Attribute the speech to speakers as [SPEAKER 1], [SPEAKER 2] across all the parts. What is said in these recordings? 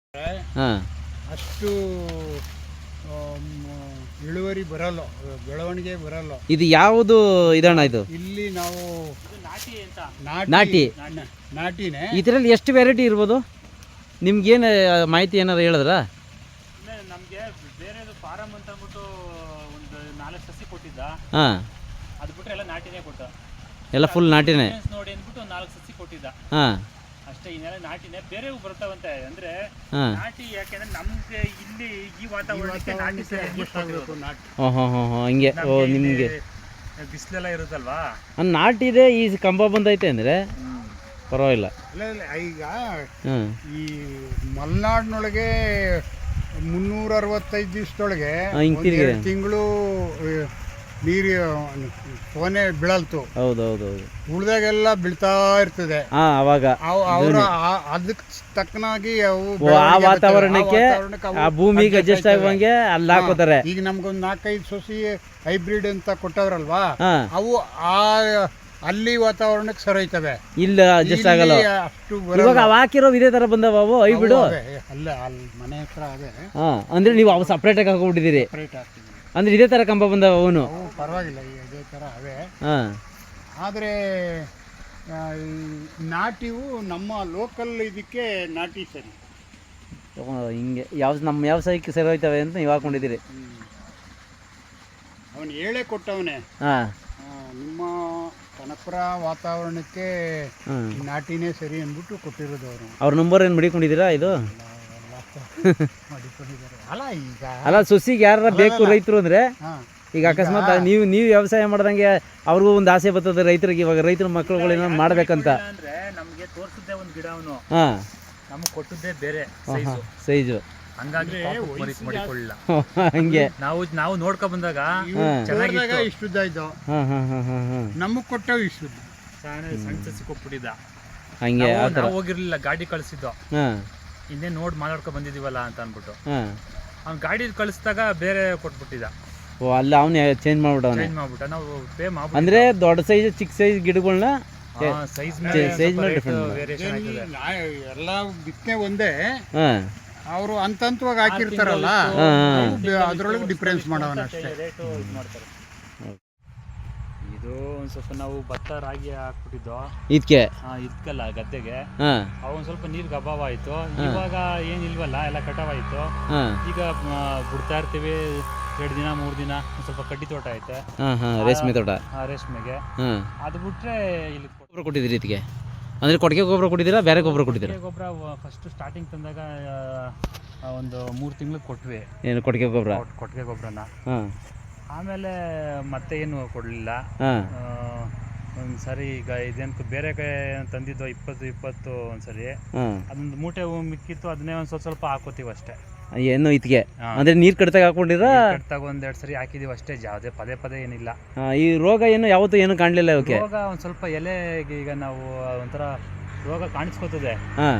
[SPEAKER 1] ಹಾಂ
[SPEAKER 2] ಅಷ್ಟು ಇಳುವರಿ ಬರಲ್ಲ, ಬೆಳವಣಿಗೆ ಬರಲ್ಲ.
[SPEAKER 1] ಇದು ಯಾವುದು ಇದಣ್ಣ ಇದು?
[SPEAKER 2] ಇಲ್ಲಿ ನಾವು
[SPEAKER 1] ನಾಟಿ
[SPEAKER 2] ನಾಟಿನೇ.
[SPEAKER 1] ಇದರಲ್ಲಿ ಎಷ್ಟು ವೆರೈಟಿ ಇರ್ಬೋದು? ನಿಮ್ಗೇನು ಮಾಹಿತಿ ಏನಾರು ಹೇಳಿದ್ರಾ?
[SPEAKER 3] ನಮಗೆ ಬೇರೆದು ಫಾರಮ್ ಅಂತ ಅಂದ್ಬಿಟ್ಟು ಒಂದು 4 ಸಸಿ ಕೊಟ್ಟಿದ್ದ.
[SPEAKER 1] ಹಾಂ,
[SPEAKER 3] ಅದು ಬಿಟ್ಟರೆ ಎಲ್ಲ ನಾಟಿನೇ ಕೊಟ್ಟ.
[SPEAKER 1] ಎಲ್ಲ ಫುಲ್ ನಾಟಿನೇ
[SPEAKER 3] ನೋಡಿ ಅಂದ್ಬಿಟ್ಟು 4 ಸಸಿ ಕೊಟ್ಟಿದ್ದ.
[SPEAKER 1] ಹಾಂ
[SPEAKER 3] ಅಷ್ಟೇ, ಇನ್ನೆಲ್ಲ ನಾಟಿನೇ. ಬೇರೆವು ಬರ್ತಾವಂತೆ ಅಂದರೆ
[SPEAKER 1] ಹಾಂ.
[SPEAKER 3] ನಾಟಿ ಯಾಕೆಂದ್ರೆ ನಮಗೆ ಇಲ್ಲಿ ಈ ವಾತಾವರಣಕ್ಕೆ ನಾಟಿ
[SPEAKER 1] ಹಿಂಗೆ. ಓ, ನಿಮಗೆ
[SPEAKER 3] ಬಿಸಿಲೆಲ್ಲ ಇರುತ್ತಲ್ವಾ,
[SPEAKER 1] ನಾಟಿದೆ. ಈ ಕಂಬ ಬಂದೈತೆ ಅಂದರೆ ಪರವಾಗಿಲ್ಲ.
[SPEAKER 2] ಈಗ ಈ ಮಲೆನಾಡಿನೊಳಗೆ 365 ದಿವಸದೊಳಗೆ ತಿಂಗಳು ನೀರು ಫೋನೆ ಬೀಳಲ್ತು.
[SPEAKER 1] ಹೌದೌದೌದು.
[SPEAKER 2] ಉಳ್ದಾಗೆಲ್ಲ ಬೀಳ್ತಾ ಇರ್ತದೆ.
[SPEAKER 1] ಅವಾಗ
[SPEAKER 2] ಅವರ ಅದಕ್ಕೆ ತಕ್ಕನಾಗಿ ಅವು
[SPEAKER 1] ಆ ವಾತಾವರಣಕ್ಕೆ ಆ ಭೂಮಿಗೆ ಅಡ್ಜಸ್ಟ್ ಆಗುವಂಗೆ ಅಲ್ಲಿ ಹಾಕೋತಾರೆ.
[SPEAKER 2] ಈಗ ನಮ್ಗೊಂದು 4-5 ಸೊಸಿ ಹೈಬ್ರಿಡ್ ಅಂತ ಕೊಟ್ಟವ್ರಲ್ವಾ, ಅವು ಅಲ್ಲಿ ವಾತಾವರಣಕ್ಕೆ ಸರೈತವೆ.
[SPEAKER 1] ಇಲ್ಲ ಅಡ್ಜಸ್ಟ್ ಆಗಲ್ಲ
[SPEAKER 2] ಅಷ್ಟು.
[SPEAKER 1] ಇವಾಗ ಅವು ಹಾಕಿರೋ ಇದೇ ತರ ಬಂದವ ಅವು ಹೈಬ್ರಿಡ್.
[SPEAKER 2] ಅಲ್ಲ, ಅಲ್ಲಿ ಮನೆ ಹತ್ರ ಅದೇ.
[SPEAKER 1] ಅಂದ್ರೆ ನೀವು ಅವು ಸಪ್ರೇಟ್ ಆಗಿ ಹಾಕೊಂಡ್ಬಿಟ್ಟಿದ್ದೀರಿ. ಅಂದ್ರೆ ಇದೇ ತರ ಕಂಬ ಬಂದವ ಅವನು.
[SPEAKER 2] ಪರವಾಗಿಲ್ಲ, ಇದೇ ತರ ಅವೇ. ಆದರೆ ನಾಟಿವು ನಮ್ಮ ಲೋಕಲ್ ಇದಕ್ಕೆ ನಾಟಿ ಸರಿ.
[SPEAKER 1] ಹಿಂಗೆ ನಮ್ಮ ವ್ಯವಸಾಯಕ್ಕೆ ಸರಿ ಹೋಯ್ತವೆ ಅಂತ ನೀವು ಹಾಕೊಂಡಿದ್ದೀರಿ.
[SPEAKER 2] ಅವನು ಹೇಳೇ ಕೊಟ್ಟವನೇ, ನಿಮ್ಮ ಕನಕಪುರ ವಾತಾವರಣಕ್ಕೆ ನಾಟಿನೇ ಸರಿ ಅಂದ್ಬಿಟ್ಟು ಕೊಟ್ಟಿರೋದು. ಅವ್ರ
[SPEAKER 1] ನಂಬರ್ ಏನು ಮಡಿಕೊಂಡಿದ್ದೀರಾ? ಇದು
[SPEAKER 2] ಮಾಡಿಕೊಂಡಿದ್ದಾರೆ.
[SPEAKER 1] ಅಲ್ಲ ಸೊಸಿಗೆ ಯಾರ ಬೇಕು ರೈತರು ಅಂದರೆ, ಈಗ ಅಕಸ್ಮಾತ್ ನೀವು ವ್ಯವಸಾಯ ಮಾಡ್ದಂಗೆ ಅವ್ರಿಗೂ ಒಂದು ಆಸೆ ಬರ್ತದೆ ರೈತರಿಗೆ. ಇವಾಗ ರೈತರ ಮಕ್ಕಳುಗಳು ಏನೋ ಮಾಡ್ಬೇಕಂತ
[SPEAKER 3] ಅಂದ್ರೆ ನಮಗೆ ತೋರಿಸಿದ್ದೆ ಒಂದು ಗಿಡ ಅವನು, ನಮಗೆ ಕೊಟ್ಟಿದ್ದೇ ಬೇರೆ
[SPEAKER 1] ಸೈಜು.
[SPEAKER 3] ಹಂಗಾಗಿ ಮಾಡಿಕೊಳ್ಳಿಲ್ಲ.
[SPEAKER 1] ಹಂಗೆ
[SPEAKER 3] ನಾವು ನೋಡ್ಕೊ ಬಂದಾಗ
[SPEAKER 2] ಚೆನ್ನಾಗಿ ಇಷ್ಟುದ್ದ ಇದ್ದು, ನಮಗ್ ಕೊಟ್ಟವು ಇಷ್ಟುದ್ದ.
[SPEAKER 3] ಸಣ್ಣ ಸಸಿ ಕೊಟ್ಬಿಟ್ಟಿದ್ದ.
[SPEAKER 1] ಹಂಗೆ
[SPEAKER 3] ಹೋಗಿರ್ಲಿಲ್ಲ, ಗಾಡಿ ಕಳಿಸಿದ್ದು. ಇನ್ನೇ ನೋಡಿ ಮಾತಾಡ್ಕೊ ಬಂದಿದೀವಲ್ಲ ಅಂತ ಅಂದ್ಬಿಟ್ಟು ಅವ್ನು ಗಾಡಿ ಕಳಿಸಿದಾಗ ಬೇರೆ ಕೊಟ್ಬಿಟ್ಟಿದ್ದ.
[SPEAKER 1] ಓ, ಅಲ್ಲ ಅವನು ಚೇಂಜ್
[SPEAKER 3] ಮಾಡ್ಬಿಟ್ಟ. ನಾವು ಪೇ ಮಾಡ್ಬಿಟ್ಟು
[SPEAKER 1] ಅಂದ್ರೆ ದೊಡ್ಡ ಸೈಜ್ ಚಿಕ್ಕ ಸೈಜ್ ಗಿಡಗಳನ್ನ
[SPEAKER 3] ಸೈಜ್
[SPEAKER 2] ವೇರಿಯೇಷನ್ ಎಲ್ಲ ಬಿತ್ತನೆ ಒಂದೇ. ಅವರು ಹಂತವಾಗಿ ಹಾಕಿರ್ತಾರಲ್ಲ, ಅದ್ರೊಳಗೆ ಡಿಫ್ರೆನ್ಸ್ ಮಾಡೋಣ ಅಷ್ಟೇ.
[SPEAKER 3] ಇದು ಒಂದ್ ಸ್ವಲ್ಪ ನಾವು ಭತ್ತ ರಾಗಿ ಹಾಕ್ಬಿಟ್ಟಿದ್ದು ಇದಕ್ಕಲ್ಲ ಗದ್ದೆಗೆ. ಅವನ್ ಸ್ವಲ್ಪ ನೀರ್ಗೆ ಅಭಾವ ಆಯ್ತು. ಇವಾಗ ಏನಿಲ್ವಲ್ಲ, ಎಲ್ಲ ಕಟಾವಾಯ್ತು. ಈಗ ಬಿಡ್ತಾ ಇರ್ತೀವಿ 2 ದಿನ 3 ದಿನ. ಸ್ವಲ್ಪ ಕಡ್ಡಿ ತೋಟ ಐತೆ,
[SPEAKER 1] ರೇಷ್ಮೆ ತೋಟ.
[SPEAKER 3] ರೇಷ್ಮೆಗೆ ಅದು ಬಿಟ್ರೆ ಇಲ್ಲಿ
[SPEAKER 1] ಗೊಬ್ಬರ ಕೊಟ್ಟಿದ್ದೀರಿ ಇದಕ್ಕೆ? ಅಂದ್ರೆ ಕೊಟ್ಟಿಗೆ ಗೊಬ್ಬರ ಕೊಟ್ಟಿದ್ದೀರಾ, ಬೇರೆ ಗೊಬ್ಬರ ಕೊಟ್ಟಿದ್ದೀರಾ?
[SPEAKER 3] ಗೊಬ್ಬರ ಫಸ್ಟ್ ಸ್ಟಾರ್ಟಿಂಗ್ ತಂದಾಗ ಒಂದು 3 ತಿಂಗಳು ಕೊಟ್ವಿ.
[SPEAKER 1] ಏನು ಕೊಟ್ಟಿಗೆ
[SPEAKER 3] ಗೊಬ್ಬರನ. ಆಮೇಲೆ ಮತ್ತೆ ಏನು ಕೊಡಲಿಲ್ಲ. ಒಂದು ಸರಿ ಈಗ ಇದೇನು ಬೇರೆ ತಂದಿದ್ದು 20 ಒಂದ್ಸರಿ ಅದೊಂದು ಮೂಟೆ ಮಿಕ್ಕಿತ್ತು, ಅದನ್ನೇ ಒಂದು ಸ್ವಲ್ಪ ಹಾಕೋತೀವಿ ಅಷ್ಟೇ.
[SPEAKER 1] ಏನು ಇದಕ್ಕೆ ಅಂದ್ರೆ ನೀರು ಕಟ್ಟಾಗ ಹಾಕೊಂಡಿರ?
[SPEAKER 3] ಕಟ್ಟಾಗ 1-2 ಸರಿ ಹಾಕಿದೀವಿ ಅಷ್ಟೇ, ಯಾವುದೇ ಪದೇ ಏನಿಲ್ಲ.
[SPEAKER 1] ಈ ರೋಗ ಏನು ಯಾವತ್ತೂ ಏನು ಕಾಣಲಿಲ್ಲ ಇವಕ್ಕೆ?
[SPEAKER 3] ರೋಗ ಒಂದು ಸ್ವಲ್ಪ ಎಲೆಗೆ ಈಗ ನಾವು ಒಂಥರ ರೋಗ ಕಾಣಿಸ್ಕೋತದೆ.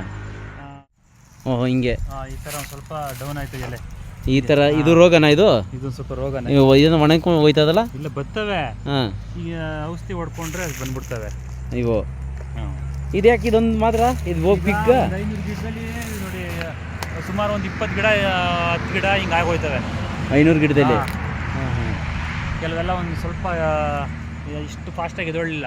[SPEAKER 1] ಓಹೋ, ಹಿಂಗೆ
[SPEAKER 3] ಈ ಥರ ಒಂದು ಸ್ವಲ್ಪ ಡೌನ್ ಆಯ್ತು ಎಲೆ.
[SPEAKER 1] ಈ ತರ ಇದು ರೋಗನ? ಇದು
[SPEAKER 3] ಸ್ವಲ್ಪ ರೋಗನ.
[SPEAKER 1] ಇದನ್ನ ಒಣಗ್ಕೊಂಡು ಹೋಯ್ತದಲ್ಲ?
[SPEAKER 3] ಇಲ್ಲ, ಬರ್ತವೆ. ಈಗ ಔಷಧಿ ಹೊಡ್ಕೊಂಡ್ರೆ ಅದು ಬಂದ್ಬಿಡ್ತವೆ
[SPEAKER 1] ಇವು. ಇದು ಯಾಕೆ ಇದೊಂದು ಮಾತ್ರ? ಇದು ಬಿಗ್
[SPEAKER 3] 500 ಗಿಡದಲ್ಲಿ ನೋಡಿ, ಸುಮಾರು ಒಂದು 20 ಗಿಡ 10 ಗಿಡ ಹಿಂಗೆ ಆಗೋಯ್ತವೆ
[SPEAKER 1] 500 ಗಿಡದಲ್ಲಿ.
[SPEAKER 3] ಕೆಲವೆಲ್ಲ ಒಂದು ಸ್ವಲ್ಪ ಇಷ್ಟು ಫಾಸ್ಟಾಗಿ ಎದೊಳ್ಳಿಲ್ಲ.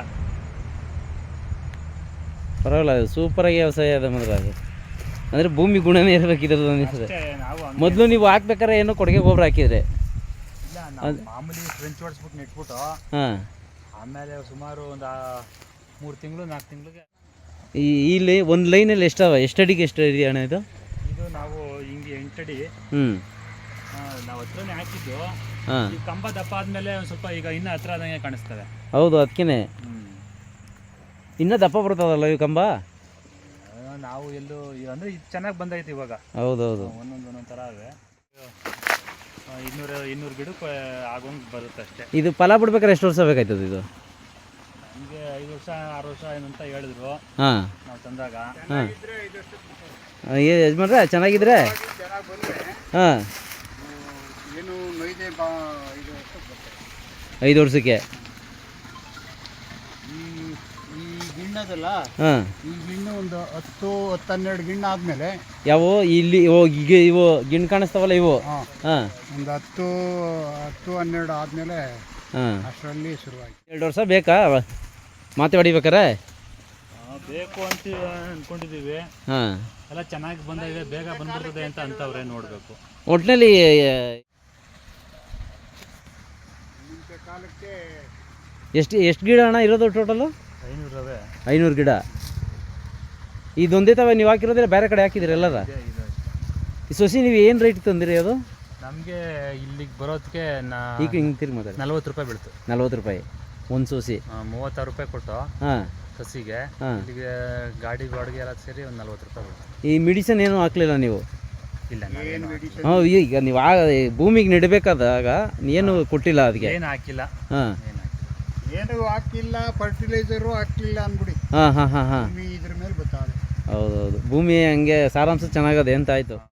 [SPEAKER 1] ಪರವಾಗಿಲ್ಲ, ಸೂಪರಾಗಿ ವ್ಯವಸಾಯ ಅದ ಮಾತ್ರ. ಅದು ಅಂದರೆ ಭೂಮಿ ಗುಣನೇ ಇರಬೇಕು ಇದ್ರದ್ದು ಅನಿಸ್ತದೆ. ಮೊದಲು ನೀವು ಹಾಕ್ಬೇಕಾರೆ ಏನೋ ಕೊಟ್ಟಿಗೆ ಗೊಬ್ಬರ ಹಾಕಿದ್ರೆ?
[SPEAKER 3] ಇಲ್ಲ, ಮಾಮೂಲಿ ಫ್ರೆಂಚ್ ಹೊಡ್ಸ್ಬಿಟ್ಟು ನೆಟ್ಬಿಟ್ಟು ಆಮೇಲೆ ಸುಮಾರು ಒಂದು 3 ತಿಂಗಳು 4 ತಿಂಗಳಿಗೆ.
[SPEAKER 1] ಇಲ್ಲಿ ಒಂದು ಲೈನಲ್ಲಿ ಎಷ್ಟು ಅಡಿಗೆ ಎಷ್ಟು ಇದೆಯಾ ಅಣ್ಣ ಇದು?
[SPEAKER 3] ಇದು ನಾವು ಹಿಂಗೆ 8 ಅಡಿ ನಾವು ಹತ್ರನೇ ಹಾಕಿದ್ದು. ಈ ಕಂಬ ದಪ್ಪ ಆದಮೇಲೆ ಒಂದು ಸ್ವಲ್ಪ ಈಗ ಇನ್ನೂ ಹತ್ರ ಆದಂಗೆ ಕಾಣಿಸ್ತವೆ.
[SPEAKER 1] ಹೌದು, ಅದಕ್ಕೇ ಇನ್ನೂ ದಪ್ಪ ಬರ್ತದಲ್ಲ ಈ ಕಂಬ.
[SPEAKER 3] ನಾವು ಎಲ್ಲೂ ಅಂದರೆ ಇದು ಚೆನ್ನಾಗಿ ಬಂದೈತೆ ಇವಾಗ.
[SPEAKER 1] ಹೌದೌದು,
[SPEAKER 3] ಒಂದೊಂದು ಥರ ಅವೆ. 200 ಗಿಡಕ್ಕೆ ಆಗೋಂಗೆ ಬರುತ್ತೆ ಅಷ್ಟೇ.
[SPEAKER 1] ಇದು ಫಲ ಬಿಡ್ಬೇಕಾದ್ರೆ ಎಷ್ಟು ವರ್ಷ ಬೇಕಾಯ್ತದೆ ಇದು?
[SPEAKER 3] ನಮಗೆ 5 ವರ್ಷ 6 ವರ್ಷ ಏನಂತ ಹೇಳಿದ್ರು ನಾವು ತಂದಾಗ.
[SPEAKER 1] ಯಜಮಾನ್ರೆ ಚೆನ್ನಾಗಿದ್ರೆ
[SPEAKER 2] ಏನು 5
[SPEAKER 1] ವರ್ಷಕ್ಕೆ
[SPEAKER 2] ಈ ಗಿಣ್ಣ ಇರೋದಲ್ಲ
[SPEAKER 1] ಹಾಂ
[SPEAKER 2] ಈ ಗಿಣ್ಣು ಒಂದು 10-12 ಗಿಣ್ಣು ಆದಮೇಲೆ
[SPEAKER 1] ಯಾವ ಇಲ್ಲಿ ಇವು ಗಿಣ್ಣು ಕಾಣಿಸ್ತಾವಲ್ಲ ಇವು
[SPEAKER 2] ಹಾಂ
[SPEAKER 1] ಹಾಂ
[SPEAKER 2] ಒಂದು 10-12 ಆದಮೇಲೆ
[SPEAKER 1] ಹಾಂ
[SPEAKER 2] ಅಷ್ಟರಲ್ಲಿ ಶುರುವಾಯಿತು.
[SPEAKER 1] 2 ವರ್ಷ ಬೇಕಾ ಮಾತೆ ಹೊಡಿಬೇಕಾರೆ?
[SPEAKER 3] ಬೇಕು ಅಂತ ಅನ್ಕೊಂಡಿದೀವಿ.
[SPEAKER 1] ಹಾಂ
[SPEAKER 3] ಎಲ್ಲ ಚೆನ್ನಾಗಿ ಬಂದಿದೆ, ಬೇಗ ಬಂದ್ಬಿಡ್ತದೆ ಅಂತ ಅಂತವ್ರೆ, ನೋಡಬೇಕು.
[SPEAKER 1] ಒಟ್ಟಿನಲ್ಲಿ
[SPEAKER 2] ಮುಂಚೆ ಕಾಲಕ್ಕೆ
[SPEAKER 1] ಎಷ್ಟು ಗಿಡ ಅಣ್ಣ ಇರೋದು ಟೋಟಲು?
[SPEAKER 3] 500 ರವೆ
[SPEAKER 1] 500 ಗಿಡ. ಇದೊಂದೇ ತವ ನೀವು ಹಾಕಿರೋದ್ರೆ ಬೇರೆ ಕಡೆ ಹಾಕಿದ್ರಿ ಎಲ್ಲರ? ಈ ಸೊಸಿ ನೀವು ಏನು ರೇಟ್ ತಂದಿರಿ ಅದು?
[SPEAKER 3] ನಮಗೆ ಇಲ್ಲಿಗೆ ಬರೋದಕ್ಕೆ
[SPEAKER 1] ಈಗ ಹಿಂಗೆ ತಿರ್ಗಿ ಮಾತಾಡಿ.
[SPEAKER 3] 40 ರೂಪಾಯಿ ಬೀಳ್ತು.
[SPEAKER 1] 40 ರೂಪಾಯಿ ಒಂದು ಸೊಸಿ.
[SPEAKER 3] 36 ರೂಪಾಯಿ ಕೊಟ್ಟು
[SPEAKER 1] ಹಾಂ
[SPEAKER 3] ಸಸಿಗೆ.
[SPEAKER 1] ಹಾಂ
[SPEAKER 3] ಇಲ್ಲಿಗೆ ಗಾಡಿ ಬಾಡಿಗೆ ಎಲ್ಲ ಸೇರಿ ಒಂದು 40 ರೂಪಾಯಿ ಬೀಳ್ತು.
[SPEAKER 1] ಈ ಮೆಡಿಸಿನ್ ಏನೂ ಹಾಕ್ಲಿಲ್ಲ ನೀವು?
[SPEAKER 3] ಇಲ್ಲ,
[SPEAKER 2] ಏನು ಮೆಡಿಸಿನ್
[SPEAKER 1] ಹಾಂ ಈಗ ನೀವು ಭೂಮಿಗೆ ನೆಡಬೇಕಾದಾಗ ಏನು ಕೊಟ್ಟಿಲ್ಲ ಅದಕ್ಕೆ?
[SPEAKER 3] ಏನು ಹಾಕಿಲ್ಲ.
[SPEAKER 1] ಹಾಂ
[SPEAKER 2] ಏನು ಹಾಕಿಲ್ಲ, ಫರ್ಟಿಲೈಸರು ಹಾಕ್ಲಿಲ್ಲ ಅಂದ್ಬಿಡಿ.
[SPEAKER 1] ಹಾಂ ಹಾಂ ಹಾಂ ಹಾಂ
[SPEAKER 2] ಇದ್ರ ಮೇಲೆ ಗೊತ್ತಾಗ.
[SPEAKER 1] ಹೌದೌದು, ಭೂಮಿ ಹಂಗೆ ಸಾರಾಂಶ ಚೆನ್ನಾಗದೆ ಅಂತ ಆಯಿತು.